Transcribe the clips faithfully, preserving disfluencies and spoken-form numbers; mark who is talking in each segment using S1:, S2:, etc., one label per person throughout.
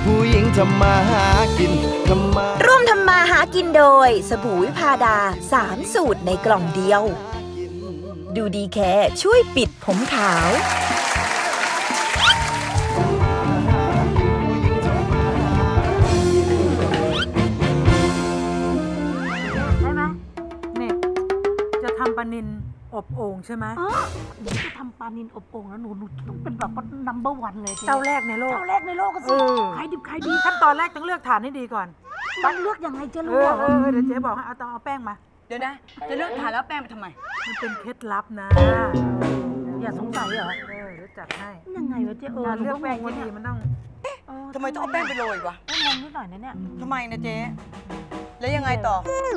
S1: ผู้หญิงทำมาหากินทำมา
S2: ร่วมทำมาหากินโดยสบู่วิพาดาสามสูตรในกล่องเดียวดูดีแค่ช่วยปิดผมขาว
S3: ได้ไหมเนี่ยจะทำปลานิลอบโอ่งใช่ไหม
S4: อ๋อหนูจะทำปลานิลอบโอ่งแล้วหนูหนูต้องเป็นแบบว่านัมเบอร์วันเลย
S3: เจ้าแรกในโลก
S4: เจ้าแรกในโลกก็สิขายดิบขายดี
S3: ขั้นตอนแรกต้องเลือกฐานให้ดีก่อน
S4: ต้องเลือกยังไงจะ
S3: เอ
S4: รู้
S3: อ
S4: เหรอ
S3: เออเดี๋ยวเจ๊บอกให้เอาต้องเอาแป้งมา
S5: เดี๋ยวนะ จะเลือกทานแล้วแป้งไปทำไม
S3: มันเป็นเคล็ดลับนะ
S4: อย่าสงสัยเหรอ
S3: เออเดี๋ยวจัดให้
S4: ยังไงวะเจ๊เออ
S3: การเลือกแป้ง
S4: หนู
S3: ที่
S4: ก็
S3: ดี
S4: งง
S3: มันต้อง
S4: เออ
S5: ทำไมต้องเอาแป้งไปโรยวะ
S4: ต้องงงนิดหน่อยนะเนี่ย
S5: ทำไมนะเจ๊ แล้วยังไงต่อ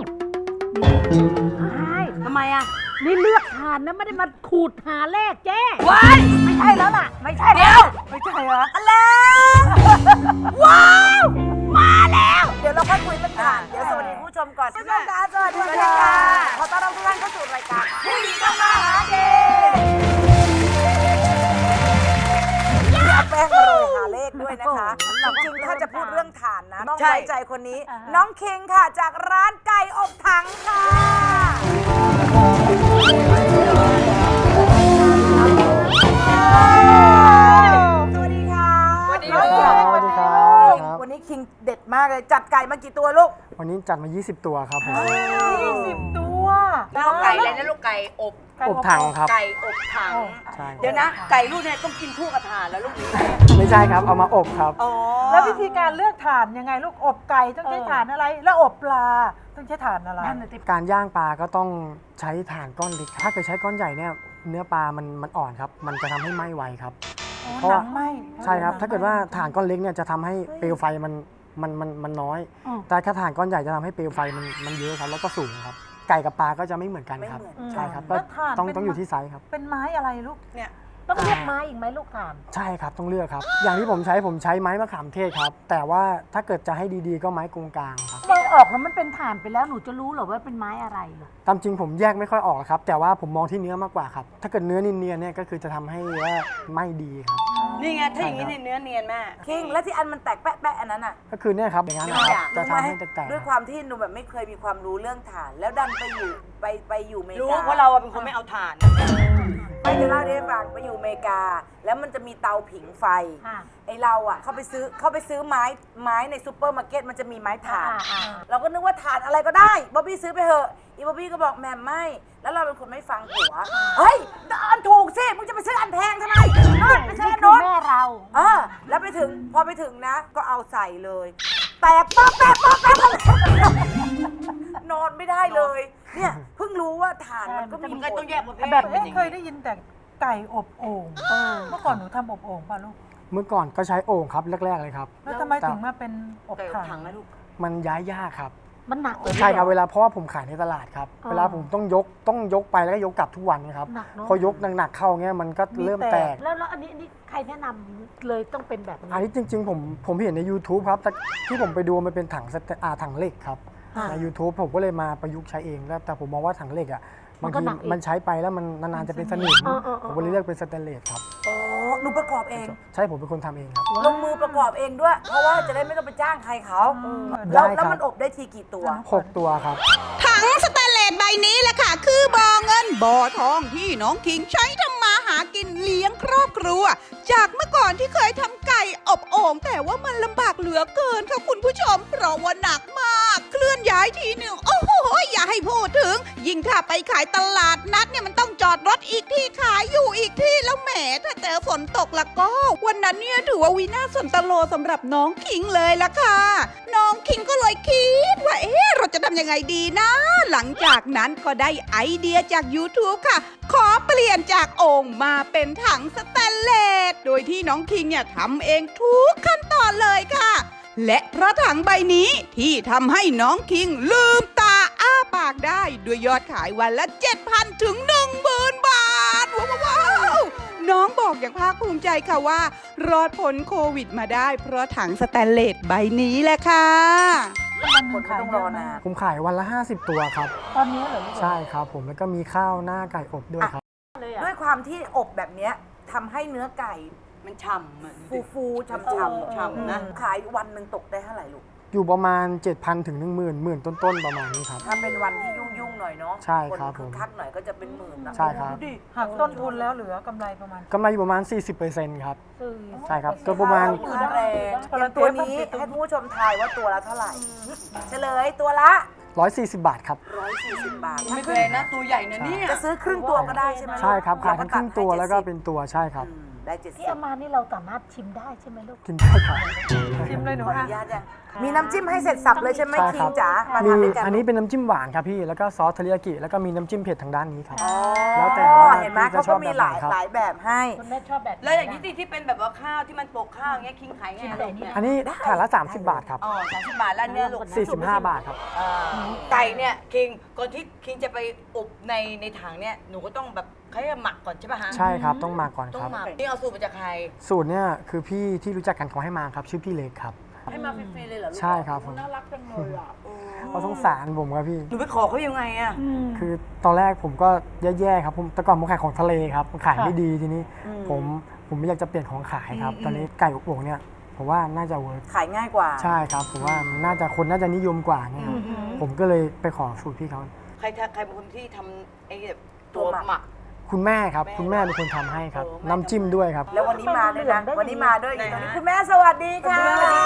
S4: ใช่ทำไมอ่ะนี่เลือกทานนะไม่ได้มาขูดหาเลขเจ๊
S5: ว้าย
S4: ไม่ใช่แล้วล่ะ ไม่ใช่
S5: เดี๋
S4: แล้
S5: ยว
S4: ว
S3: ไม่ใช่เหรอ
S5: อะไรว้าว มาแล้ว เดี๋ยวเราค่อยคุยเรื่องทานเดี๋ยวสวัสดีคุณผู้ชมก่อนผู้ชมค่ะสวัสดีค่ะขอต้อนรับทุกท่านเข้าสู่รายการผู้หญิงทำมาหากินเอาแป้งมาโรยหาเลขด้วยนะคะจริงๆถ้าจะพูดเรื่องฐานนะต้องไว้ใจคนนี้ น้องคิงค่ะจากร้านไก่อบถังค่ะสวัสดีค่ะสวัสดีค่ะ
S6: สวัสดีครับ
S5: วันนี้คิงเด็ดมากเลยจัดไก่มากี่ตัวลูก
S6: วันนี้จัดมา ยี่สิบ ตัวครับผม
S3: ยี่สิบตัว
S5: แล้วไก่อะไรนะลูกไก่อบ
S6: อบถังครับ
S5: ไก่อบถัง
S6: ใช่
S5: เดี๋ยวนะ ไก่ลูกเนี่ยต้องกินคู่กับถ่านแล้วลูกนี้
S6: ไม่ใช่ครับ เอามาอบครับ
S5: อ๋อ
S3: แล้ววิธีการเลือกฐานยังไงลูกอบไก่ต้องใช้ฐานอะไร แล้วอบปลาต้องใช้ฐานอะไร
S6: การย่างปลาก็ต้องใช้ถ่านก้อนเล็ก ถ้าเกิดใช้ก้อนใหญ่เนี่ย เนื้อปลามันมันอ่อนครับ มันจะทำให้ไหม้ไวครับ เพราะ
S3: หนั
S6: ว่า
S3: งไหม
S6: ใช่ครับ ถ้าเกิดว่าถ่านก้อนเล็กเนี่ยจะทำให้เปลวไฟมันมันมันมันน้อย แต่ถ้าถ่านก้อนใหญ่จะทำให้เปลวไฟมันมันเยอะครับ แล้วก็สูงครับ ไก่กับปลาก็จะไม่เหมือนกันครับ ใช่ครับ ก็
S3: แล้วถ่าน
S6: ต้อง
S3: เป็น
S6: ต้องอยู่ที่ไซส์ครับ
S3: เป็นไม้อะไรลูก
S5: เนี่ย
S4: ต้องเลือกไม้อีกไหมลูกทาน
S6: ใช่ครับ ต้องเลือกครับ อย่างที่ผมใช้ผมใช้ไม้มะขามเทศครับ แต่ว่าถ้าเกิดจะให้ดีๆ ก็ไม้กงกลางครับ
S4: มองออกแล้วมันเป็นฐานไปแล้วหนูจะรู้เหรอว่าเป็นไม้อะไรเหรอ
S6: ตามจริงผมแยกไม่ค่อยออกครับ แต่ว่าผมมองที่เนื้อมากกว่าครับ ถ้าเกิดเนื้อเนียนๆเนี่ยก็คือจะทำให้ว่าไม่ดีครับ
S5: นี่ไง ถ้าอย่างนี้เนี่ยเนื้อเนียนแม่คิงแล้วที่อันมันแตกแปะๆอันนั้นอ่ะ
S6: ก็คือเนี่ยครับอย่างนั้นนะครับจะทำให้แตกๆ
S7: ด้วยความที่หนูแบบไม่เคยมีความรู้เรื่องฐาน แล้วดันไปอยู่ไปไปอยู่อเมริ
S5: รู้
S7: กา
S5: เพราะเราอะเป็นคนไม่เอาถ่าน
S7: ไม่จะเล่าให้ฟังไปอยู่อเมริกา แล้วมันจะมีเตาผิงไฟ
S4: ค่ะ
S7: ไอเราอ่ะเขาไปซื้อเขาไปซื้อไม้ไม้ในซูเปอร์มาร์เก็ตมันจะมีไม้ถ่าน
S4: อ่าอ่า
S7: เราก็นึกว่าถ่านอะไรก็ได้บ๊อบบี้ซื้อไปเถอะอีบ๊อบบี้ก็บอกแม่ไม่ แล้วเราเป็นคนไม่ฟังผัวเฮ้ยอันถูกสิมึงจะไปซื้ออันแพงทำไมนู่นไปซื้ออัน
S4: นี่คือ
S7: โน้น
S4: แม่เรา
S7: เออแล้วไปถึงพอไปถึงนะ ก็เอาใส่เลย แตกป๊อกแป๊กป๊อกแป๊กนอนไม่ได้เลย เนี่ยเพิ่งรู้ว่าฐานมันก็มี
S5: มันก็ต้องแยกประเภท
S3: แบบ
S5: เป็นอย่าง
S3: เคยได้ยินแต่ไก่อบโอ่งเมื่อก่อนหนูทำอบโอ่งป่ะลูก
S6: เมื่อก่อนก็ใช้โอ่งครับแรกๆเลยครับ
S3: แล้วทำไมถึงมาเป็นอบ
S5: ไก่อบ
S3: ถั
S5: ถั
S3: ง
S5: งนะลูก
S6: มันย้ายยากครับ
S4: มันหนักเลย
S6: ใช่ครับเวลาเพราะว่าผมขายในตลาดครับ
S4: อ๋อ
S6: เวลาผมต้องยกต้องยกไปแล้วก็ยกกลับทุกวันนะครับ
S4: หนักเนอะ
S6: พอยกหนักๆเข้าเงี้ยมันก็เริ่มแตก
S4: แล้วแล้วอันนี้อันนี้ใครแนะนำเลยต้องเป็นแบบนี้
S6: อันนี้จริง ๆ ผมผมเห็นใน YouTube ครับแต่ที่ผมไปดูมันเป็นถังสเตอ่าถังเหล็กครับ
S4: อ่า
S6: ใน YouTube ผมก็เลยมาประยุกต์ใช้เองแล้วแต่ผมมองว่าถังเหล็กอ่ะ
S4: มั
S6: บาน ง
S4: ก็
S6: ที
S4: หนักอีก
S6: มันใช้ไปแล้วมันนานๆจะเป็นสนิม
S4: เออเออเออ
S6: ผมก็เลยเลือกเป็นสแตนเลสครับ
S7: โอ้หนูประกอบเอง
S6: ใช่ผมเป็นคนทำเองครับ
S7: ลงมือประกอบเองด้วย เพราะว่าจะได้ไม่ต้องไปจ้างใครเขา
S6: ได้
S7: แล้ว
S6: ครับ
S7: แล้วมันอบได้ทีกี่ตัว
S6: หกตัวครับ
S8: ถังสแตนเลสใบนี้แหละค่ะ คือบ่อเงินบ่อทองที่น้องคิงใช้ทำมาหากินเลี้ยงครอบครัว จากเมื่อก่อนที่เคยทำไก่อบโอ่งแต่ว่ามันลำบากเหลือเกินค่ะคุณผู้ชม เพราะว่าหนักมาก เคลื่อนย้ายทีหนึ่งโอ้โหอย่าให้พูดถึง ยิ่งถ้าไปขายตลาดนัดเนี่ยมันต้องจอดรถอีกที่ขายอยู่อีกที่แล้วแหมถ้าเจอฝนตกละก็ วันนั้นเนี่ยถือว่าวินาศสันตโลสำหรับน้องคิงเลยละค่ะ น้องคิงก็เลยคิดว่าเอ๊ะเราจะทำยังไงดีนะ หลังจากนั้นก็ได้ไอเดียจาก YouTube ค่ะ ขอเปลี่ยนจากโอ่งมาเป็นถังสแตนเลสโดยที่น้องคิงเนี่ยทำเองทุกขั้นตอนเลยค่ะ และเพราะถังใบนี้ที่ทำให้น้องคิงลืมตาอ้าปากได้ด้วยยอดขายวันละ เจ็ดพัน ถึง หนึ่งหมื่น บาท ว้าวว้าวน้องบอกอย่างภาคภูมิใจค่ะว่า รอดพ้นโควิดมาได้เพราะถังสแตนเลสใบนี้แหละค่ะ
S3: วันหนึ่งขาย
S7: ต้อง
S3: เย
S7: รอ
S3: อะ
S7: นาม
S3: าน ก
S6: ผมขายวันละ ห้าสิบ ตัวครับ
S3: ตอนนี้เหรอลูก
S6: ใช่ครับผมแล้วก็มีข้าวหน้าไก่อบด้วยครับ
S4: เลยอะ
S7: ด้วยความที่อบแบบเนี้ยทำให้เนื้อไก่
S5: มันฉ่ำอะ
S7: ฟูฟูๆช่ำ
S5: ฉ่ำๆนะ
S7: ขายวันหนึ่งตกได้เท่าไหร่ลูก
S6: อยู่ประมาณ เจ็ดพัน ถึง หนึ่งหมื่น หมื่นต้นๆ ประมาณนี้ครับ
S7: ถ้าเป็นวันที่ยุ่งๆหน่อยเนาะ
S6: ใช่ครับ
S7: นคึกคักหน่อยก็จะเป็นหมื่นนะ
S6: ใช่ครับ
S3: ดูดิหักต้นทุนแล้วเหลือกำไรประมาณ
S6: กำไรอยู่ประมาณ สี่สิบเปอร์เซ็นต์ ครับ
S3: สี่
S6: ใช่ครับก็ประมาณ
S7: ค่าแรงอย่างตัวนี้ให้คุณผู้ชมทายว่าตัวละเท่าไหร่ เฉลยตัวละ
S6: หนึ่งร้อยสี่สิบ บาทครับ
S7: หนึ่งร้อยสี่สิบบาท
S5: ไม่แพงนะตัวใหญ่นะเนี่ย
S7: จะซื้อครึ่งตัวก็ได้ใช่ไหม
S6: ใช่ครับขายทั้งครึ่งตัวแล้วก็เป็นตัวใช่ครับ
S7: อืมได้เจ็ดสิ
S4: ที่
S7: บ
S4: เอามานี่เราสามารถชิมได้ใช่ไหมลูก
S6: กินได้ครับ
S3: ชิมเลยหนู
S7: ขออ
S3: อ่ะ
S7: นุญาตยังมีน้ำจิ้มให้เสร็จสับเลยใช่ไหม
S6: ใช่
S7: คิ
S6: ครั
S7: ง
S6: บ
S7: จ๋ามา
S6: มี
S7: ทำด้วยกัน
S6: อันนี้เป็นน้ำจิ้มหวานครับพี่แล้วก็ซอสเทริยากิแล้วก็มีน้ำจิ้มเผ็ดทางด้านนี้ครับ
S7: อ๋อ
S6: แล้วแต่ว่า
S7: เห็นไหม
S6: พี่จะ
S7: เขา
S6: ชอ
S7: ก็
S6: บ
S7: มี
S6: แบบ
S7: ห
S6: ไหน
S7: ลาย
S6: ครับ
S7: หลายแบบให้
S4: คุณแม่ชอบแบบ
S5: แล้วอย่างนี้ที่ที่เป็นแบบว่าข้าวที่มันโปกข้าวอย่างเงี้ยคิงขายไง
S4: ชิม
S5: อะ
S4: แต่
S5: ลูก
S4: นี่
S5: เนี่ย
S6: อันนี้ถาดละ สามสิบบาทครับ
S5: อ๋อสามสิบบาทแล้วเนี่ยลูก
S6: สี่สิบห้า บาทครับ
S5: อ่าไก่เนี่ยคิงก่อนที่คิงจะไปอบในในถังเนี่ยหนูก็ต้องแบบเขาเรียกว่าหมักก่อนใช่ป่ะฮะ
S6: ใช่ครับต้องมาก่อน
S5: ต้อ
S6: ครั
S5: ง
S6: บ
S5: หมักนี่เอาสูตรมาจากใคร
S6: สูตรเนี่ยคือพี่ที่รู้จักกันเขาให้มาครับชื่อพี่เล็กครับ
S5: ให้มาฟรีๆเลยเหรอลูก
S6: ใช่ครับผม
S5: น่ารักจังเลยอ่ะ
S6: เขาสงสารผมครับพี่
S5: หนูไปขอเขายังไงอ่ะ
S6: คือตอนแรกผมก็แย่ๆครับผมแต่ก่อนผมขายของทะเลครับขายไม่ดีทีนี้ ผมผมไม่อยากจะเปลี่ยนของขายครับ ตอนนี้ไก่อบโอ่งเนี่ยผมว่าน่าจะเวิร์ก
S7: ขายง่ายกว่า
S6: ใช่ครับผมว่ามันน่าจะคนน่าจะนิยมกว่าเนี่ยครับผมก็เลยไปขอสูตรพี่เขา
S5: ใครทใครเป็นคนที่ทำไอ้แบบตัวหมัก
S6: คุณแม่ครับ
S5: แม่
S6: คุณแม่เป็นคนทำให้ครับ
S5: โอ้แม่
S6: น้ำจิ้มด้วยครับ
S7: แล้ววันนี้มาด้วยนะ วันนี้มาด้วยอีก
S5: ไหน
S7: ตอนนี้
S5: ฮะ
S7: คุณแม่สวัสดีค่ะ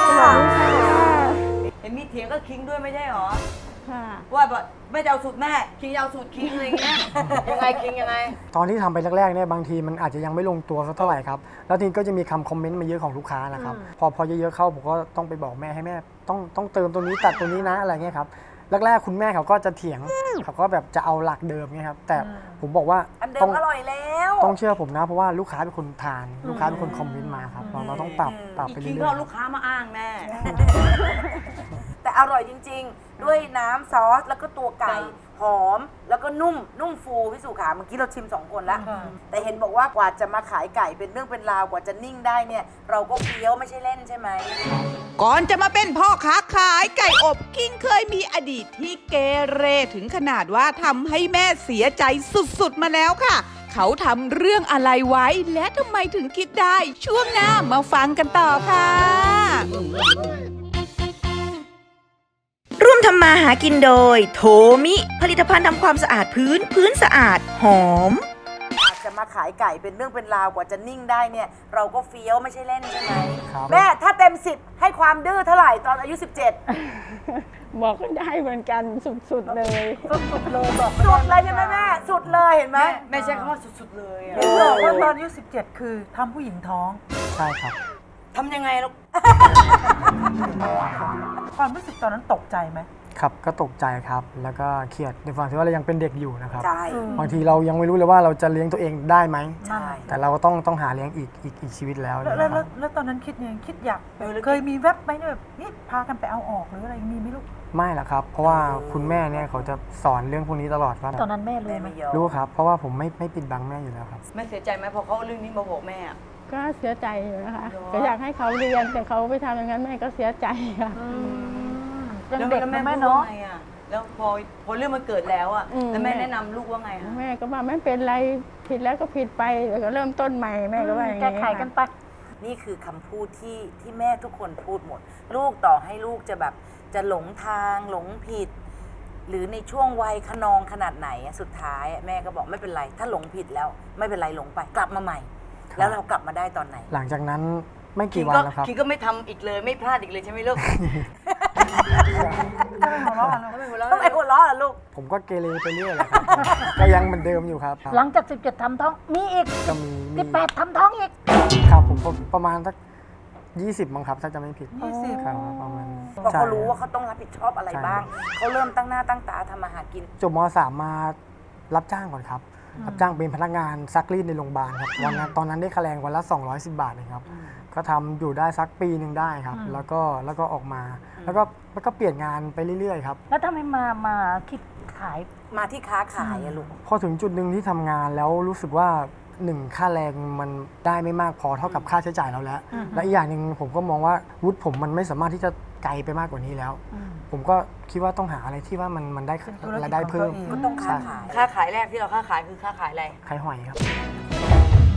S5: เห็นมีเถียงก็คิงด้วยไม่ใช่หรอว่าแบบไม่จะเอาสูตรแม่คิงจะเอาสูตรคิงอะไรเงี้ย ยังไงคิงยังไง
S6: ตอนที่ทำไปแรกๆเนี่ยบางทีมันอาจจะยังไม่ลงตัวสักเท่าไหร่ครับแล้วทีนี้ก็จะมีคำคอมเมนต์มาเยอะของลูกค้านะครับพอพอเยอะๆเข้าผมก็ต้องไปบอกแม่ให้แม่ต้องต้องเติมตัวนี้ตัดตัวนี้นะอะไรเงี้ยครับแรกๆคุณแม่เขาก็จะเถียงเขาก็แบบจะเอาหลักเดิมเงี้ยครับแต่ผมบอกว่า
S7: อันเดิ
S6: ต้อ
S7: ม
S6: ง
S7: อร่อยแล้ว
S6: ต้องเชื่อผมนะเพราะว่าลูกค้าเป็นคนทานลูกค้าเป็นคนคอมเมนต์มาครับเราเราต้องปรับปรับ
S5: อี
S6: ไป
S5: ก
S6: เรื่
S5: คิง
S6: อย
S5: ก็เอาลูกค้ามาอ้างแน่
S7: แต่อร่อยจริง ๆ ด้วยน้ำซอสแล้วก็ตัวไก่หอม แล้วก็นุ่มนุ่มฟูพี่สุขาเมื่อกี้เราชิมสองคนแล้ว แต่เห็นบอกว่ากว่าจะมาขายไก่เป็นเรื่องเป็นราวกว่าจะนิ่งได้เนี่ย เราก็เฟี้ยวไม่ใช่เล่นใช่ไหม
S8: ก่อนจะมาเป็นพ่อค้าขายไก่อบคิงเคยมีอดีตที่เกเรถึงขนาดว่าทำให้แม่เสียใจสุดๆมาแล้วค่ะ เขาทำเรื่องอะไรไว้และทำไมถึงคิดได้ ช่วงหน้ามาฟังกันต่อค่ะ
S2: ร่วมทำมาหากินโดย โทมิ ผลิตภัณฑ์ทำความสะอาดพื้น พื้นสะอาด หอม
S7: อาจจะมาขายไก่เป็นเรื่องเป็นราวกว่าจะนิ่งได้เนี่ย เราก็เฟี้ยวไม่ใช่เล่นใช่ไหม
S6: ครับ
S7: แม่ถ้าเต็มสิบให้ความดื้อเท่าไหร่ตอนอายุ สิบเจ็ด
S9: บอกก็ได้เหมือนกันสุดๆเลย
S3: สุดเลยบอก
S7: สุดเลยใช่ไหมแม่สุดเลยเห็นไหม
S5: แม่ใช้คำว่าสุดๆเลยอะ
S3: เห็นบอกว่าตอนอายุสิบเจ็ดคือทำผู้หญิงท้อง
S6: ใช่ครับ
S5: ทำยังไงลูก
S3: ความรู้สึกตอนนั้นตกใจไหม
S6: ครับก็ตกใจครับแล้วก็เครียดในฝั่งที่ว่าเรายังเป็นเด็กอยู่นะครับ
S7: ใช่
S6: บางทีเรายังไม่รู้เลยว่าเราจะเลี้ยงตัวเองได้ไหม
S7: ใช่
S6: แต่เราก็ต้องต้องหาเลี้ยงอีกอีกอีกชีวิตแล้ว
S3: แล้ว
S6: นะ
S3: แล้ว
S6: ค
S3: แล้
S6: รั
S3: ว
S6: บ
S3: แล้วตอนนั้นคิดยังไงคิดอยากเคยมีแวบไหมเนี่ยแบบนี่พากันไปเอาออกหรืออะไรมีไหมลูก
S6: ไม่ละครับ เพราะว่าคุณแม่เนี่ยเขาจะสอนเรื่องพวกนี้ตลอดว่า
S4: ตอนนั้นแม่รู้
S7: แม่
S4: ไหม
S7: ไม่ยอม
S6: รู้ครับ เพราะว่าผมไม่ไม่ปิดบังแม่อยู่แล้วครับ
S5: แม่เสียใจไหมพอเขาเอาเรื่องนี้มาบอกแม่อะ
S9: ก็เสียใจอยู่นะคะ
S5: เหรอ
S9: ก็อยากให้เขาเรียนแต่เขาไปทำอย่างนั้นแม่ก็เสียใจค่ะ
S3: ยังเด็ก
S5: แล้ว
S3: นะ
S5: แม่
S3: แม่
S5: พูด
S3: เนาะ
S5: ว่าไงอะแล้วพอพอเรื่องมันเกิดแล้วอะ
S9: อืม
S5: แล้วแม่แนะนำลูกว่าไงคะ
S9: แม่ก็ว่าไม่เป็นไรผิดแล้วก็ผิดไปเดี๋ยวก็เริ่มต้นใหม่แม่ก็ว่าอย่าง
S4: แก้
S9: นี้
S4: ไขกันไป
S7: นี่คือคำพูดที่ที่แม่ทุกคนพูดหมด ลูกต่อให้ลูกจะแบบจะหลงทางหลงผิด หรือในช่วงวัยขนองขนาดไหนอะสุดท้ายอะแม่ก็บอกไม่เป็นไร ถ้าหลงผิดแล้วไม่เป็นไรหลงไปกลับมาใหม่ แล้วเรากลับมาได้ตอนไหน
S6: หลังจากนั้นไม่
S5: คิ
S6: กี่
S5: ง
S6: วัน
S5: ก็
S6: แล้วครับ
S5: คิงก็ไม่ทำอีกเลยไม่พลาดอีกเลยใช่ไหมลูก
S3: ไม่หัวเราะกันเลย
S5: ไม่หัวเราะ
S7: ต้องไอ้คนล้อเหรอลูก
S6: ผมก็เกเรไปเรื่อยแหละครับ ก็ยังเหมือนเดิมอยู่ครับ
S4: หลังจากสิบเจ็ดทำท้อง มีอีก
S6: ก็มีมี
S4: สิบแปดทำท้องอีก
S6: ครับผมประมาณสักยี่สิบมั้งครับถ้าจะไม่ผิด
S3: ยี่สิบ
S6: ครับประมาณ
S7: เพราะเขารู้ว่า
S6: ใช่
S7: เขาต้องรับผิดชอบอะไร
S6: ใช่
S7: บ้าง เขาเริ่มตั้งหน้าตั้งตาทำมาหากิน
S6: จบมสามมารับจ้างก่อนครับรับจ้างเป็นพนักงานซักรีดในโรงพยาบาลครับวันนั้นตอนนั้นได้ค่าแรงวันละสองร้อยสิบบาทเองครับก็ทำอยู่ได้สักปีหนึ่งได้ครับ แล้วก็แล้วก็ออกมา แล้วก็แล้วก็เปลี่ยนงานไปเรื่อยๆครับ
S4: แล้วทำไมมามาคิดขาย
S7: มาที่ค้าขายอะลูก
S6: พอถึงจุดหนึ่งที่ทำงานแล้วรู้สึกว่าหนึ่งค่าแรงมันได้ไม่มากพอเท่ากับค่าใช้จ่ายเราแล้ว และอีกอย่างหนึ่งผมก็มองว่าวุฒิผมมันไม่สามารถที่จะไกลไปมากกว่านี้แล้ว ผมก็คิดว่าต้องหาอะไรที่ว่ามันมันได้รายได้เพิ่ม
S7: ก็ต้องค้าขาย
S5: ค้าขายแรกที่เราค้าขายคือค้าขายอะไร
S6: ขายหอยครับ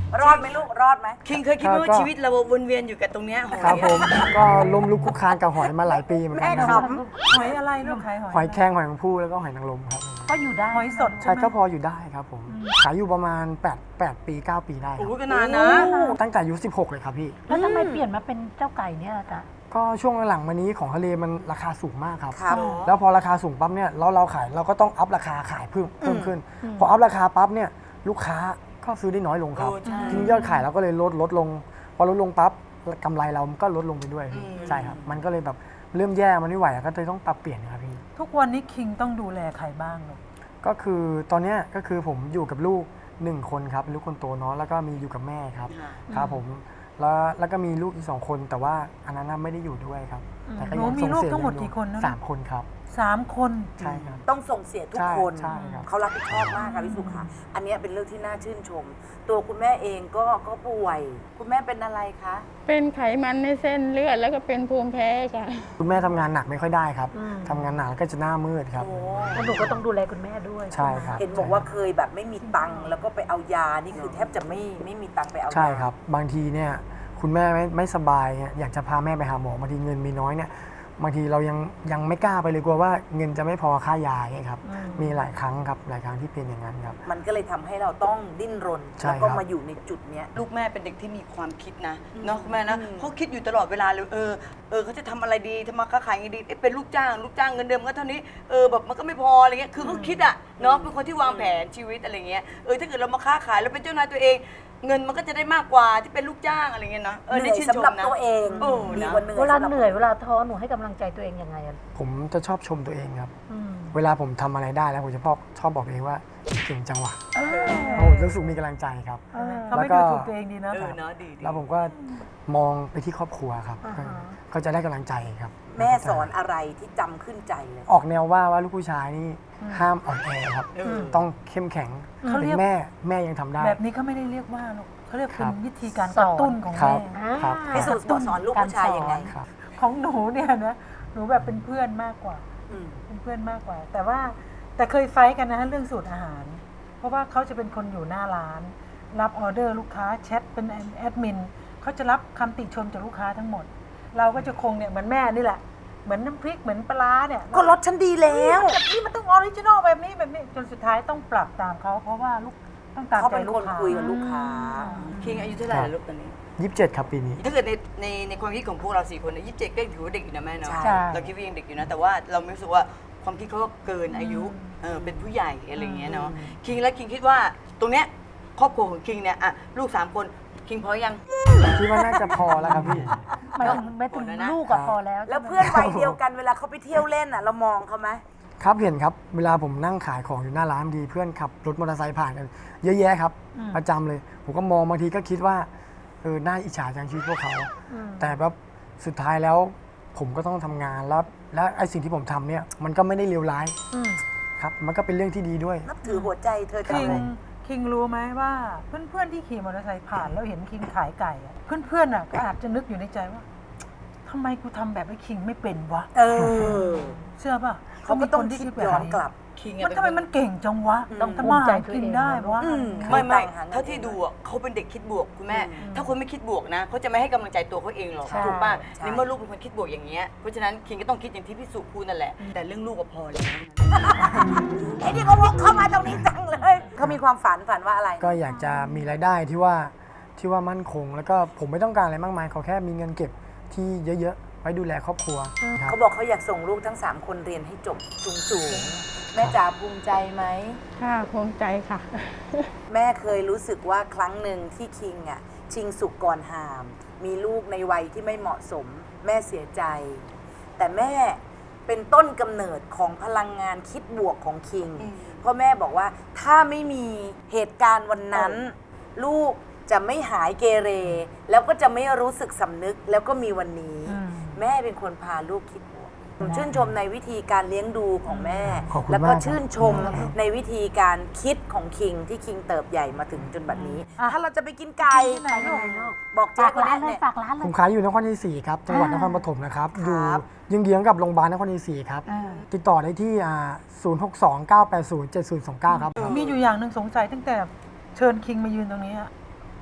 S5: รอดไหมลูกรอดไหม
S10: คิงเคยคิดไหมว่าชีวิตเราวนเวียนอยู่กับตรงเนี้ยหอย
S6: ครับผมก็ล้มลุกคลุกคลานกับหอยมาหลายปีเหมือนกันครับ
S3: หอยอะไรลูกขายหอย
S6: หอยแครงหอยนางผู้แล้วก็หอยนางรมครับ
S4: ก็อยู่ได้
S3: หอยสด
S6: ใช่ก็พออยู่ได้ครับผมขายอยู่ประมาณแปด แปดปีเก้าปีได้ค
S10: โอ้
S6: รับ
S10: โหก็นานนะ
S6: ตั้งแต่อายุสิบหกเลยครับพี่
S4: แล้วทำไมเปลี่ยนมาเป็นเจ้าไก่เนี่ยล่ะจ๊ะ
S6: ก็ช่วงหลังมานี้ของทะเลมันราคาสูงมากครับ
S5: ครับ
S6: แล้วพอราคาสูงปั๊บเนี่ยเราเราขายเราก็ต้องอัพราคาขายเพิ่มเพิ่มขึ้น พออัพราคาปั๊บเนี่ยลูกค้าก็ซื้อได้น้อยลงครับ
S10: โอ้ใช่
S6: ทีนี้ยอดขายเราก็เลยลดลดลง พอลดลงปั๊บกำไรเราก็ลดลงไปด้วยพี่ใช่ครับมันก็เลยแบบเริ่มแย่มันไม่ไหวก็เลยต้องปรับเปลี่ยนครับพี่
S3: ทุกวันนี้คิงต้องดูแลใครบ้างลูก
S6: ก็คือตอนเนี้ยก็คือผมอยู่กับลูกหนึ่งคนครับเป็นลูกคนโตเนาะแล้วก็มีอยู่กับแม่ครับครับผมแล้วแล้วก็มีลูกอีกสองคนแต่ว่าอันนั้นน่ะไม่ได้อยู่ด้วยครับแต่ก็
S3: หนู
S6: ยัง
S3: มี
S6: ส่ง
S3: ลูก
S6: เสีย
S3: ทั้งหมด
S6: เลี้ย
S3: กี่คนนะ
S6: สามคนครับ
S3: สามคน
S6: ใช่ครับ
S5: ต้องส่งเสียทุก
S6: ใช่
S5: คน
S6: ใช่ครับ
S5: เขารับผิดชอบมากค่ะพี่สุค่ะ อันเนี้ยเป็นเรื่องที่น่าชื่นชม ตัวคุณแม่เองก็ก็ป่วย คุณแม่เป็นอะไรคะ
S9: เป็นไขมันในเส้นเลือดแล้วก็เป็นภูมิแพ้ค่ะ
S6: คุณแม่ทำงานหนักไม่ค่อยได้ครับทำงานหนักแล้วก็จะหน้ามืดครับ
S4: แล้วหนูก็ต้องดูแลคุณแม่ด้วย
S6: ใช่ครับ
S5: เห็นบอกว่าเคยแบบไม่มีตังค์แล้วก็ไปเอายา นี่คือแทบจะไม่ไม่มีตังค์ไปเอายา
S6: ใช่ครับ บางทีเนี่ยคุณแม่ไม่ไม่สบายเนี่ยอยากจะพาแม่ไปหาหมอบางทีเงินมีน้อยเนี่ยบางทีเรายังยังไม่กล้าไปเลยกลัวว่าเงินจะไม่พอค่ายาเนี่ยครับมีหลายครั้งครับหลายครั้งที่เป็นอย่างนั้นครับ
S5: มันก็เลยทำให้เราต้องดิ้นรน
S6: ใช่
S5: แล้วก็
S6: ครับ
S5: มาอยู่ในจุดเนี้ย
S10: ลูกแม่เป็นเด็กที่มีความคิดนะเนาะคุณแม่นะเขาคิดอยู่ตลอดเวลาเลยเออเออเขาจะทำอะไรดีทำมาค้าขายไงดีเอ๊ะเป็นลูกจ้างลูกจ้างเงินเดือนมันก็เท่านี้เออแบบมันก็ไม่พออะไรเงี้ยคือเขาคิดอะเนาะเป็นคนที่วางแผนชีวิตอะไรเงี้ยเออถ้าเกิดเรามาค้าขายแล้วเป็นเจ้านายตัวเอง เงินมันก็จะได้มากกว่าที่เป็นลูกจ้างอะไรเงี้ยนะเออ
S5: เห
S10: ใน
S5: นื่อย
S10: ชื่นช
S5: สำหรับ
S10: มนะ
S5: ตัวเอง
S10: โอ้
S5: ดี
S10: นะ
S5: กว่าเหนื่อย
S4: เวลา
S5: สำบ
S4: เหนื่อยเวลาท้อหนูให้กำลังใจตัวเองยังไงอะ
S6: ผมจะชอบชมตัวเองครับ เวลาผมทำอะไรได้แล้วผมจะชอบชอบบอกตัวเองว่าเก่งจังหวะโอ้รู้สึกมีกำลังใจครับ
S3: เขาไม่
S6: แล้วก็
S3: ดูถูกตัวเองดีนะ
S10: เออเนาะดีดี
S6: แล้วผมก็มองไปที่ครอบครัวครับก็ก็จะได้กำลังใจครับ
S5: แม่สอนอะไรที่จำขึ้นใจเลย
S6: ออกแนวว่าว่าลูกผู้ชายนี่ห้ามอ่อนแอครับ ต้องเข้มแข็ง
S3: เขาเรี
S6: เป็
S3: ยก
S6: นแม่แม่ยังทำได้
S3: แบบนี้เขาไม่ได้เรียกว่าลูกเขาเรียก
S6: ค
S3: เป็
S6: รั
S3: น
S6: บ
S3: วิธีการกระตุ้นของ
S6: ครั
S3: แม่
S6: บครับ
S5: ให้สูตรสอนลูกผู้ชายยังไง
S6: ครับ
S3: ของหนูเนี่ยนะหนูแบบเป็นเพื่อนมากกว่า
S5: อืม
S3: เป็นเพื่อนมากกว่า แต่ว่าแต่เคยไฟท์กันนะเรื่องสูตรอาหาร เพราะว่าเขาจะเป็นคนอยู่หน้าร้าน รับออเดอร์ลูกค้าแชทเป็นแอดมินเขาจะรับคำติชมจากลูกค้าทั้งหมด เราก็จะคงเนี่ยเหมือนแม่นี่แหละเหมือนน้ำพริกเหมือนปลาร้าเนี่ย
S5: ก็รสฉันดีแล้ว
S3: แบบนี้มันต้องออริจินอลแบบนี้แบบนี้จนสุดท้ายต้องปรับตามเขาเพราะว่าลูกต้องตาม
S5: เขา
S3: ใจ
S5: เป็น
S3: ลู
S5: ค
S3: ก
S5: น
S3: ค้า
S5: คุยกับลูกค้า
S10: คิงอายุเท่าไหร่แล้วลูกตอนนี้
S6: ยี่สิบเจ็ดครับปีนี้
S10: ถ้าเกิดในในในความคิดของพวกเราสี่คนเนี่ยยี่สิบเจ็ดก็ถือว่าเด็กอยู่นะแม่เนาะ
S5: ใช่
S10: เราคิดว่ายังเด็กอยู่นะ แต่ว่าเราไม่รู้สึกว่าความคิดเขาก็เกินอายุเออเป็นผู้ใหญ่อะไรอย่างเงี้ยเนาะคิงและคิงคิดว่าตรงเนี้ยครอบครัวของคิงเนี่ยอ่ะลูกสามคนคิงพอยัง
S6: คิดว่าน่าจะพอแล้วครับพี่
S4: หมายถึงหมายถึงลูกอะพอแล้ว
S5: แล้วเพื่อนวัยเดียวกันเวลาเขาไปเที่ยวเล่นอ่ะเรามองเขาไหม
S6: ครับเห็นครับเวลาผมนั่งขายของอยู่หน้าร้านบางทีเพื่อนขับรถมอเตอร์ไซค์ผ่านกันเยอะแยะครับประจำเลย ผมก็มองบางทีก็คิดว่าเออน่าอิจฉาจังชีวิตพวกเขา แต่แบบสุดท้ายแล้วผมก็ต้องทำงานแล้วและไอ้สิ่งที่ผมทำเนี่ยมันก็ไม่ได้เลวร้ายครับมันก็เป็นเรื่องที่ดีด้วย
S5: นับถือหัวใจเธอจั
S3: คิ
S5: ง
S3: ง
S5: เลย
S3: คิงรู้ไหมว่าเพื่อนๆที่ขี่มอเตอร์ไซค์ผ่านแล้วเห็นคิงขายไก่อะเพื่อนๆอ่ะก็อาจจะนึกอยู่ในใจว่าทำไมกูทำแบบไอ้คิงไม่เป็นวะ
S5: เออ
S3: เชื่อป่ะ
S5: เขาก็ต้อง
S3: มี
S5: คิด
S3: แบบ
S5: ย้อนกลับ
S10: คิง
S3: มันทำไมมันเก่งจังวะ
S4: ต้อง
S3: ทำ
S4: ภู
S3: มา
S4: มิใจ
S3: หา
S4: ตัว
S3: กิน
S4: เอง
S3: ได้วะ
S5: อืม
S10: ไม่ไม่
S5: แต่งหาเงิน
S10: เท่าที่ดูอ่ะเขาเป็นเด็กคิดบวกคุณแม่ ถ้าคนไม่คิดบวกนะเขาจะไม่ให้กำลังใจตัวเขาเองหรอก
S4: ใช่
S10: ถูกป่ะ
S5: ใช่
S10: ในเมื่อลูกเป็นคนคิดบวกอย่างเงี้ยเพราะฉะนั้นคิงก็ต้องคิดอย่างที่พี่สุพูดนั่นแหละแต่เรื่องลูกก็พอแล้ว
S5: ไอ้นี่เขาวกเข้ามาตรงนี้จังเลยเขามีความฝันฝันว่าอะไร
S6: ก็อยากจะมีรายได้ที่ว่าที่ว่ามั่นคง แล้วก็ผมไม่ต้องการอะไรมากมายขอแค่มีเงินเก็บที่เยอะๆไว้ดูแลครอบครัวครับ
S5: เขาบอกเขาอยากส่งลูกทั้งสามคนเรียนให้จบสูงๆแม่จ๋าภูมิใจไหม
S9: ค่ะภูมิใจค่ะ
S5: แม่เคยรู้สึกว่าครั้งหนึ่งที่คิงอ่ะชิงสุกก่อนหาม มีลูกในวัยที่ไม่เหมาะสม แม่เสียใจ แต่แม่เป็นต้นกำเนิดของพลังงานคิดบวกของคิง เพราะแม่บอกว่าถ้าไม่มีเหตุการณ์วันนั้น ลูกจะไม่หายเกเร แล้วก็จะไม่รู้สึกสำนึกแล้วก็มีวันนี้ แม่เป็นคนพาลูกคิดบวกผมชื่นชมในวิธีการเลี้ยงดูของแม่
S6: ขอบคุณ
S5: แล้วก็
S6: มากครับ
S5: ชื่นชมในวิธีการคิดของคิงที่คิงเติบใหญ่มาถึงจนบัดนี้ ถ้าเราจะไปกินไก่
S3: ที่ไหนลูก
S5: บอกเจ๊
S4: ฝาก
S5: คน
S4: ร้า
S5: นี้
S4: นเลย
S5: เนี่ย
S4: ฝากร้านเล
S6: ผ
S4: ย
S6: มขายอยู่นครชัยศรีครับจังหวัดนครปฐมนะครับอยู่เยื้องๆกับโรงพยาบาลนครชัยศรีครับติดต่อได้ที่อ่าศูนย์ หก สอง เก้า แปด ศูนย์ เจ็ด ศูนย์ สอง เก้าครับ
S3: มีอยู่อย่างหนึ่งสงสัยตั้งแต่เชิญคิงมายืนตรงนี้อะ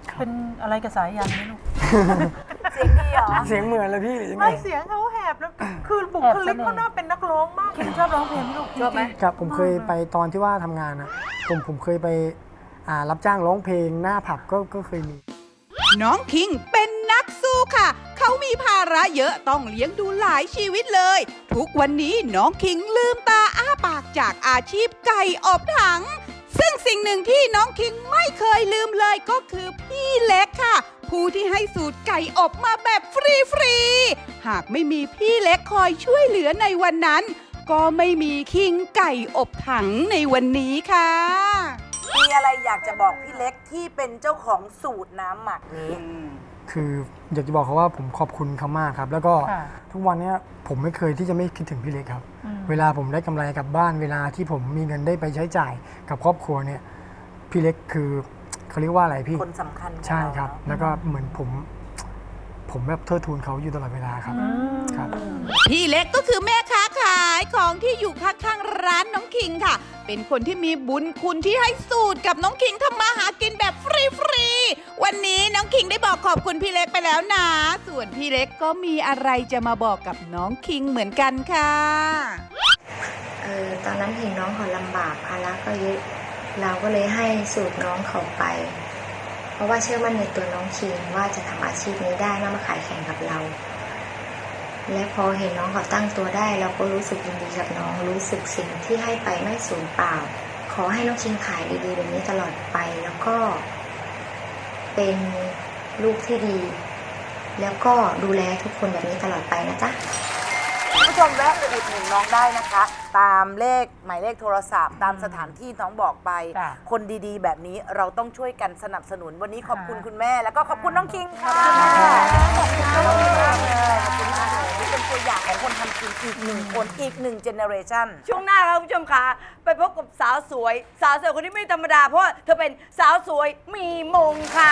S3: เป็นอะไรกับสายยันไหมลูก
S5: เสียงดีเหรอ
S6: เสียงเหมือนเลยพี่หรือยังไง
S3: ไม่เสียงเขาแหบแล้วคือบุคลิกเขาน่าเป็นนักร้องมากคิงชอบร้องเพลงไหมลูก
S5: ชอบไหม
S6: ครับผมเคยไปตอนที่ว่าทำงานนะผมผมเคยไปอ่ารับจ้างร้องเพลงหน้าผับก็ก็เคยมี
S8: น้องคิงเป็นนักสู้ค่ะ เขามีภาระเยอะต้องเลี้ยงดูหลายชีวิตเลย ทุกวันนี้น้องคิงลืมตาอ้าปากจากอาชีพไก่อบถัง ซึ่งสิ่งหนึ่งที่น้องคิงไม่เคยลืมเลยก็คือพี่เล็กค่ะ ผู้ที่ให้สูตรไก่อบมาแบบฟรีๆ หากไม่มีพี่เล็กคอยช่วยเหลือในวันนั้น ก็ไม่มีคิงไก่อบถังในวันนี้ค่ะ
S7: มีอะไรอยากจะบอกพี่เล็กที่เป็นเจ้าของสูตรน้ำหมักนี้
S6: คืออยากจะบอกเขาว่าผมขอบคุณเขามากครับ แล้วก็
S3: ค่ะ
S6: ทุกวันเนี้ยผมไม่เคยที่จะไม่คิดถึงพี่เล็กครับ เวลาผมได้กำไรกลับบ้านเวลาที่ผมมีเงินได้ไปใช้จ่ายกับครอบครัวเนี่ยพี่เล็กคือเขาเรียกว่าอะไรพี่
S7: คนสำคัญของ
S6: ใช่ครับ
S7: เา
S6: แล้วก็เหมือนผม ผมแบบเทิดทูนเขาอยู่ตลอดเวลาครับครับ
S8: พี่เล็กก็คือแม่ค้าขายของที่อยู่ข้างๆร้านน้องคิงค่ะ เป็นคนที่มีบุญคุณที่ให้สูตรกับน้องคิงทำมาหากินแบบฟรีๆ วันนี้น้องคิงได้บอกขอบคุณพี่เล็กไปแล้วนะ ส่วนพี่เล็กก็มีอะไรจะมาบอกกับน้องคิงเหมือนกันค่ะ
S11: เออตอนนั้นเห็นน้องเขาลำบากภาระก็เยอะเราก็เลยให้สูตรน้องเขาไป เพราะว่าเชื่อมั่นในตัวน้องคิงว่าจะทำอาชีพนี้ได้แล้วมาขายแข่งกับเรา และพอเห็นน้องเขาตั้งตัวได้เราก็รู้สึกยินดีกับน้องรู้สึกสิ่งที่ให้ไปไม่สูญเปล่า ขอให้น้องคิงขายดีๆแบบนี้ตลอดไปแล้วก็เป็นลูกที่ดี แล้วก็ดูแลทุกคนแบบนี้ตลอดไปนะจ๊ะ
S7: คุณผู้ชมแวะไปอุดหนุนน้องได้นะคะ ตามเลขหมายเลขโทรศัพท์ ตามสถานที่น้องบอกไป
S3: จ้ะ
S7: คนดีๆ แบบนี้เราต้องช่วยกันสนับสนุนวันนี้ขอบคุณคุณแม่ แล้วก็ขอบคุณน้องคิงค่ะขอบคุณมากเลยขอบคุณมากเลยนี่เป็นตัวอย่างของคนทำกินอีกหนึ่งคนอีกหนึ่งเจเนอเรชัน
S10: ช่วงหน้าครับคุณผู้ชมค่ะไปพบกับสาวสวย สาวสวยคนนี้ไม่ธรรมดา เพราะว่าเธอเป็นสาวสวยมีมงค่ะ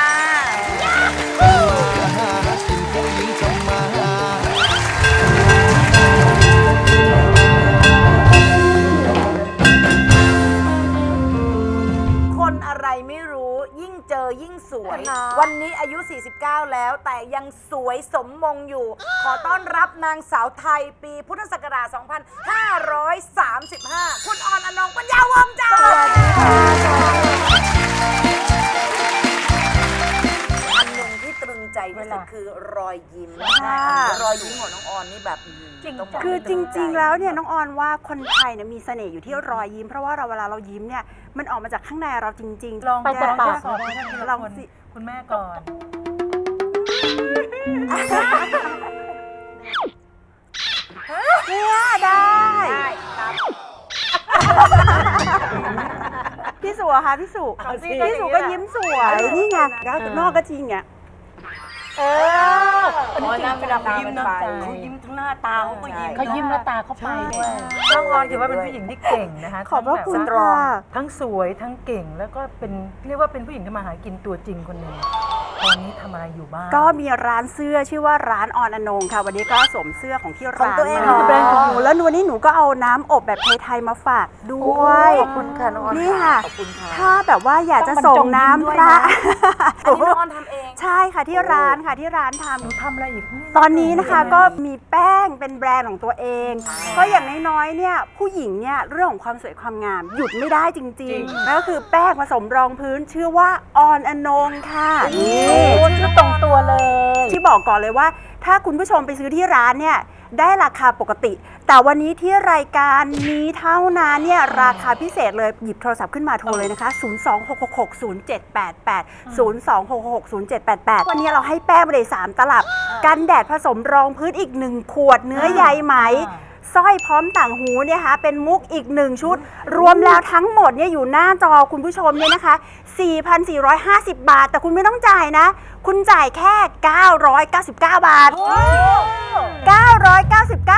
S1: ผู้หญิงทำมาหา
S7: คนอะไรไม่รู้ยิ่งเจอยิ่งสวย วันนี้อายุ สี่สิบเก้า แล้วแต่ยังสวยสมมงอยู่ ขอต้อนรับนางสาวไทยปีพุทธศักราช สองพันห้าร้อยสามสิบห้า คุณออนอนงปัญญาวงศ์จ้าอันหนึ่งที่ตรึงใจที่สุดคือรอยยิ้มรอยยิ้มของน้องออนนี่แบบต้องบก
S12: คือจริง ๆ แล้วเนี่ยน้องออนว่าคนไทยเนี่ยมีเสน่ห์อยู่ที่รอยยิ้มเพราะว่าเราเวลาเรายิ้มเนี่ยมันออกมาจากข้างในเราจริงๆ
S3: ลอง
S12: ไปแต่ปาก
S3: ก่อนนะทีละ
S12: ลอง
S3: คน
S12: สิ
S3: คุณแม่ก่อน
S12: เนี่ยได้พี่สุอะคะพี่สุพี่สุก็ยิ้มสวยนี่ไงแล้วนอกก็จริงไง
S3: เออ
S10: อ๋อน้ำเวลาเขายิ้มนะเขายิ้มทั้งหน้าตาเขาก็ยิ้ม
S3: เขายิ้มแล้วตาเขาไปด้วยน้องออนถือว่าเป็นผู้หญิงที่เก่งนะคะ
S12: ขอบพระคุณ
S3: ทั้งแบบ
S12: ค่ะ
S3: ทั้งสวยทั้งเก่งแล้วก็เป็นเรียกว่าเป็นผู้หญิงที่มาหากินตัวจริงคนหนึ่งตอนนี้ทำอะไรอยู่บ้าง
S12: ก็มีร้านเสื้อชื่อว่าร้านออนอนงค่ะ วันนี้ก็สวมเสื้อของที่ร้าน
S7: ของตัวเอง
S12: มา
S7: เหรอ
S12: แบรนด์ของหนูแล้ววันนี้หนูก็เอาน้ำอบแบบไทยๆมาฝากด้วย
S7: ขอบคุณค่ะน้องออน
S12: นี่ค่ะ
S7: ขอบคุณค่ะ
S12: ถ้าแบบว่าอยากจะส่งน้ำพระ
S7: อันนี้น้องออนทำเอง
S12: ใช่ค่ะที่ร้านค่ะที่ร้านทำ
S3: หนูทำอะไรอีก
S12: ตอนนี้นะคะก็มีแป้งเป็นแบรนด์ของตัวเองก็อย่างน้อยๆเนี่ยผู้หญิงเนี่ยเรื่องของความสวยความงามหยุดไม่ได้จริงๆนั่นก็คือแป้งผสมรองพื้นชื่อว่าออนอนงค่ะนี่
S3: ชื่อตรงตัวเลย
S12: ที่บอกก่อนเลยว่าถ้าคุณผู้ชมไปซื้อที่ร้านเนี่ยได้ราคาปกติ แต่วันนี้ที่รายการนี้เท่านั้นเนี่ยราคาพิเศษเลยหยิบโทรศัพท์ขึ้นมาโทรเลยนะคะ ศูนย์ สอง หก หก หก ศูนย์ เจ็ด แปด แปด ศูนย์ สอง หก หก ศูนย์ เจ็ด แปด แปด วันนี้เราให้แป้งไปเลยสามตลับ กันแดดผสมรองพื้นอีกหนึ่งขวดเนื้อใยไหมสร้อยพร้อมต่างหูเนี่ยค่ะเป็นมุกอีกหนึ่งชุด รวมแล้วทั้งหมดเนี่ยอยู่หน้าจอคุณผู้ชมเนี่ยนะคะ สี่พันสี่ร้อยห้าสิบ บาท แต่คุณไม่ต้องจ่ายนะ คุณจ่ายแค่ เก้าร้อยเก้าสิบเก้า บาท เก้าร้อยเก้าสิบเก้า บาทฟัง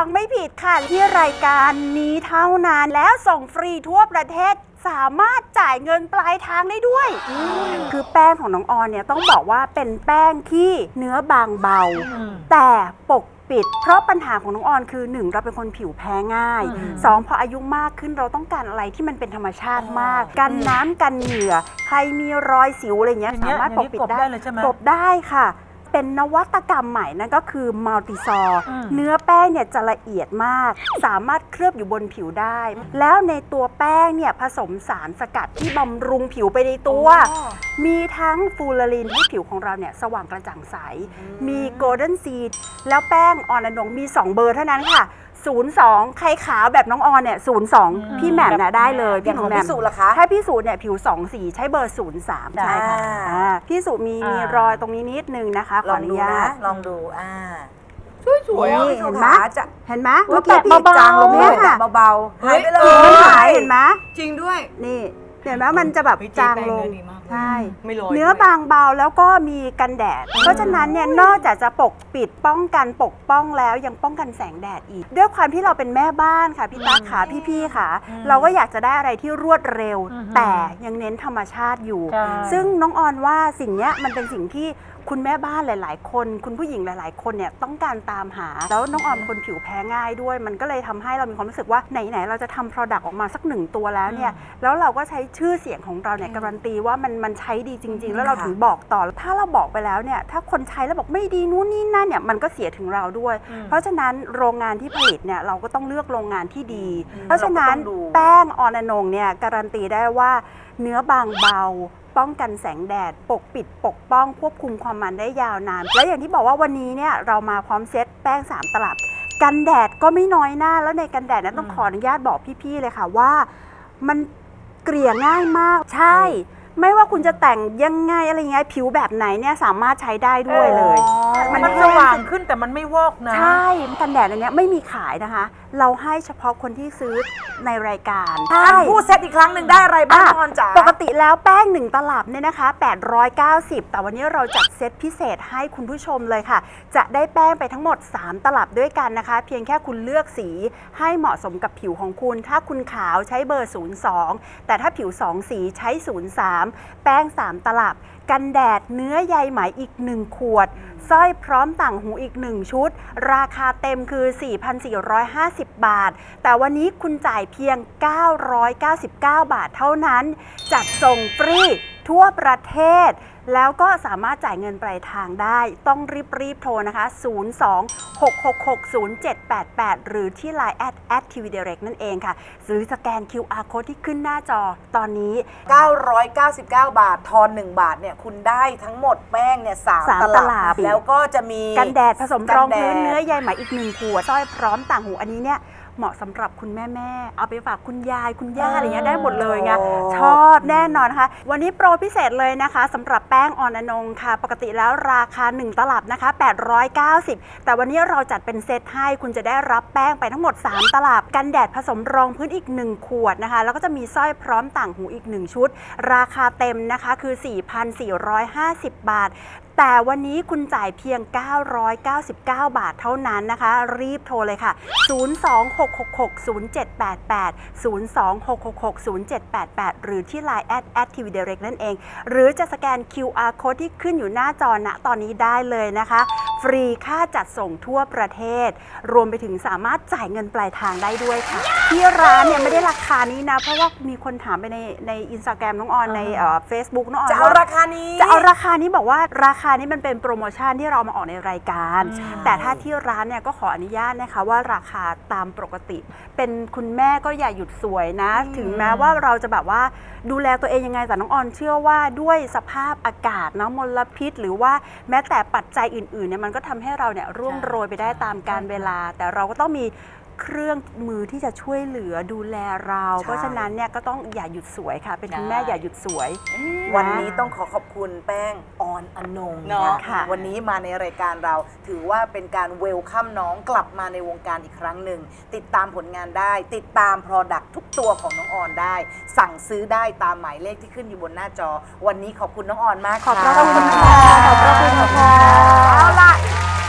S12: ฟังไม่ผิดค่ะที่รายการนี้เท่านั้นแล้วส่งฟรีทั่วประเทศสามารถจ่ายเงินปลายทางได้ด้วยคือแป้งของน้องออนเนี่ยต้องบอกว่าเป็นแป้งที่เนื้อบางเบาแต่ปกปิดเพราะปัญหาของน้องออนคือหนึ่งเราเป็นคนผิวแพ้ง่ายสองพออายุมากขึ้นเราต้องการอะไรที่มันเป็นธรรมชาติมากกันน้ำกันเหงื่อใครมีรอยสิวอะไรเงี้ยสามารถปกปิดได้ปกได้ค่ะเป็นนวัตกรรมใหม่นั่นก็คือมัลติซอร์เนื้อแป้งเนี่ยจะละเอียดมากสามารถเคลือบอยู่บนผิวได้แล้วในตัวแป้งเนี่ยผสมสารสกัดที่บำรุงผิวไปในตัวมีทั้งฟูลารินให้ผิวของเราเนี่ยสว่างกระจ่างใสมีโกลเด้นซีดแล้วแป้งออนอนงมีสองเบอร์เท่านั้นค่ะศูนย์ สองใครขาวแบบน้องออนเนี่ยศูนย์ สองพี่แหม่มนะได้เลยพี่ของพี่สุล่ะคะถ้าพี่สุเนี่ยผิวสองสีใช้เบอร์ศูนย์ สามใช่ค่ะพี่สุมีมีรอยตรงนี้นิดนึงนะคะขออนุญาต
S7: ลองดูอ่า
S12: สวยๆเห็นไหมเห็นไหมเมื่อ
S7: กี้
S12: พี่
S7: จางลงเนี่ยเบาๆหายไปเลย
S12: มันหายเห็นไหม
S10: จริงด้วย
S12: นี่เห็นไหมมันจะแบบจางลงใช่
S10: ไม่ลอย
S12: เนื้อบางเบาแล้วก็มีกันแดดเพราะฉะนั้นเนี่ยนอกจากจะปกปิดป้องกันปกป้องแล้วยังป้องกันแสงแดดอีกด้วยความที่เราเป็นแม่บ้านค่ะพี่ตั๊กขาพี่ๆค่ะเราก็อยากจะได้อะไรที่รวดเร็วแต่ยังเน้นธรรมชาติอยู่ซึ่งน้องออนว่าสิ่งนี้มันเป็นสิ่งที่คุณแม่บ้านหลายๆคนคุณผู้หญิงหลายๆคนเนี่ยต้องการตามหาแล้วน้องออมเป็นคนผิวแพ้ง่ายด้วยมันก็เลยทำให้เรามีความรู้สึกว่าไหนๆเราจะทำ product ออกมาสักหนึ่งตัวแล้วเนี่ยแล้วเราก็ใช้ชื่อเสียงของเราเนี่ยการันตีว่ามันมันใช้ดีจริงๆแล้วเราถึงบอกต่อถ้าเราบอกไปแล้วเนี่ยถ้าคนใช้แล้วบอกไม่ดีนู้นนี่นั่นเนี่ยมันก็เสียถึงเราด้วยเพราะฉะนั้นโรงงานที่ผลิตเนี่ยเราก็ต้องเลือกโรงงานที่ดีเพราะฉะนั้นแป้งออนอนงเนี่ยการันตีได้ว่าเนื้อบางเบาป้องกันแสงแดดปกปิดปกป้องควบคุมความมันได้ยาวนานและอย่างที่บอกว่าวันนี้เนี่ยเรามาพร้อมเซตแป้งสามตลับกันแดดก็ไม่น้อยหน้าแล้วในกันแดดนั้นต้องขออนุญาตบอกพี่ๆเลยค่ะว่ามันเกลี่ยง่ายมากใช่ไม่ว่าคุณจะแต่งยังไงอะไรเงี้ยผิวแบบไหนเนี่ยสามารถใช้ได้ด้วยเลย
S3: มันสว่างขึ้นแต่มันไม่วอกนะ
S12: ใช่กันแดดอันนี้ไม่มีขายนะคะเราให้เฉพาะคนที่ซื้อในรายการ
S5: พูดเซตอีกครั้งหนึ่งได้อะไรบ้างออนจ๋า
S12: ปกติแล้วแป้งหนึ่งตลับเนี่ยนะคะแปดร้อยเก้าสิบแต่วันนี้เราจัดเซตพิเศษให้คุณผู้ชมเลยค่ะจะได้แป้งไปทั้งหมดสามตลับด้วยกันนะคะเพียงแค่คุณเลือกสีให้เหมาะสมกับผิวของคุณถ้าคุณขาวใช้เบอร์ศูนย์ สองแต่ถ้าผิวสองสีใช้ศูนย์ สามแป้งสามตลับกันแดดเนื้อใยไหมอีกหนึ่งขวดสร้อยพร้อมต่างหูอีกหนึ่งชุดราคาเต็มคือ สี่พันสี่ร้อยห้าสิบ บาทแต่วันนี้คุณจ่ายเพียงเก้าร้อยเก้าสิบเก้าบาทเท่านั้นจัดส่งฟรีทั่วประเทศแล้วก็สามารถจ่ายเงินปลายทางได้ต้องรีบๆโทรนะคะศูนย์ สอง หก หก หก ศูนย์ เจ็ด แปด แปดหรือที่ ไลน์ แอท แอท ที วี Direct นั่นเองค่ะหรือสแกน คิว อาร์ Code ที่ขึ้นหน้าจอตอนนี้
S7: เก้าร้อยเก้าสิบเก้าบาททอนหนึ่งบาทเนี่ยคุณได้ทั้งหมดแป้งเนี่ยสามตลับแล้วก็จะมี
S12: กันแดดผสมรองพื้นเนื้อใยไหมอีกหนึ่งขวดสร้อยพร้อมต่างหูอันนี้เนี่ยเหมาะสำหรับคุณแม่แม่เอาไปฝากคุณยายคุณย่าอะไรเงี้ยได้หมดเลยไงชอบแน่นอนนะคะวันนี้โปรพิเศษเลยนะคะสำหรับแป้งออนอนงค่ะปกติแล้วราคาหนึ่งตลับนะคะแปดร้อยเก้าสิบแต่วันนี้เราจัดเป็นเซตให้คุณจะได้รับแป้งไปทั้งหมดสามตลับกันแดดผสมรองพื้นอีกหนึ่งขวดนะคะแล้วก็จะมีสร้อยพร้อมต่างหูอีกหนึ่งชุดราคาเต็มนะคะคือ สี่พันสี่ร้อยห้าสิบ บาทแต่วันนี้คุณจ่ายเพียงเก้าร้อยเก้าสิบเก้าบาทเท่านั้นนะคะรีบโทรเลยค่ะศูนย์ สอง หก หก หก ศูนย์ เจ็ด แปด แปด ศูนย์ สอง หก หก หก ศูนย์ เจ็ด แปด แปดหรือที่ ไลน์ แอท แอท ที วี Direct นั่นเองหรือจะสแกน คิว อาร์ Code ที่ขึ้นอยู่หน้าจอณตอนนี้ได้เลยนะคะฟรีค่าจัดส่งทั่วประเทศรวมไปถึงสามารถจ่ายเงินปลายทางได้ด้วยค่ะที่ร้านเนี่ยไม่ได้ราคานี้นะเพราะว่ามีคนถามไปในใน Instagram น้องออนในเอ่อ Facebook น้องออน
S5: จะเอาราคานี้
S12: จะเอาราคานี้บอกว่าราคานี้มันเป็นโปรโมชั่นที่เรามาออกในรายการแต่ถ้าที่ร้านเนี่ยก็ขออนุญาตนะคะว่าราคาตามปกติเป็นคุณแม่ก็อย่าหยุดสวยนะถึงแม้ว่าเราจะแบบว่าดูแลตัวเองยังไงแต่น้องออนเชื่อว่าด้วยสภาพอากาศเนาะมลพิษหรือว่าแม้แต่ปัจจัยอื่นๆเนี่ยมันก็ทำให้เราเนี่ยร่วงโรยไปได้ตามกาลเวลาแต่เราก็ต้องมีเครื่องมือที่จะช่วยเหลือดูแลเราเพราะฉะนั้นเนี่ยก็ต้องอย่าหยุดสวยค่ะเป็นคุณแม่อย่าหยุดสวย
S7: วันนี้ต้องขอขอบคุณแป้งออนอนงนะคะวันนี้มาในรายการเราถือว่าเป็นการเวลคัมน้องกลับมาในวงการอีกครั้งหนึ่งติดตามผลงานได้ติดตาม Product ทุกตัวของน้องออนได้สั่งซื้อได้ตามหมายเลขที่ขึ้นอยู่บนหน้าจอวันนี้ขอบคุณน้องออนมาก
S12: ขอบพระคุณค่ะขอบพระคุณค่ะ
S5: เอาล่ะด้วยควา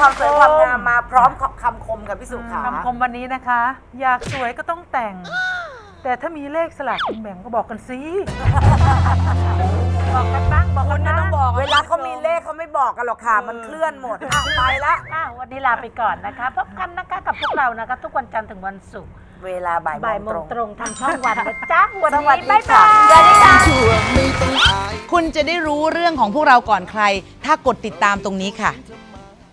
S5: ความสวยความงามมาพร้อมคำคมกับพี่สุขา
S3: คำคมวันนี้นะคะ อยากสวยก็ต้องแต่ง แต่ถ้ามีเลขสลากกินแบ่งก็บอกกันสิ
S5: บอกกันบ้างบอกกันนะเวลาเขามีเลขเขาไม่บอกกันหรอกค่ะ มันเคลื่อนหมดอ่ะไปละ
S4: อ่ะวันนี้ลาไปก่อนนะคะ พบกันนะคะกับพวกเรานะคะ ทุกวันจันทร์ถึงวันศุกร์
S5: เวลาบ่าย
S4: บ่าย
S5: โม
S4: โม
S5: ง
S4: ง
S5: ต
S4: ต
S5: ร
S4: รง งทางช่องวันนะจ๊ะวัน
S5: สวัส
S4: นี้
S5: ดี
S4: บ๊าย
S5: ค่ะ
S4: บาย
S5: สวัสดีค่ะ
S13: คุณจะได้รู้เรื่องของพวกเราก่อนใคร ถ้ากดติดตามตรงนี้ค่ะ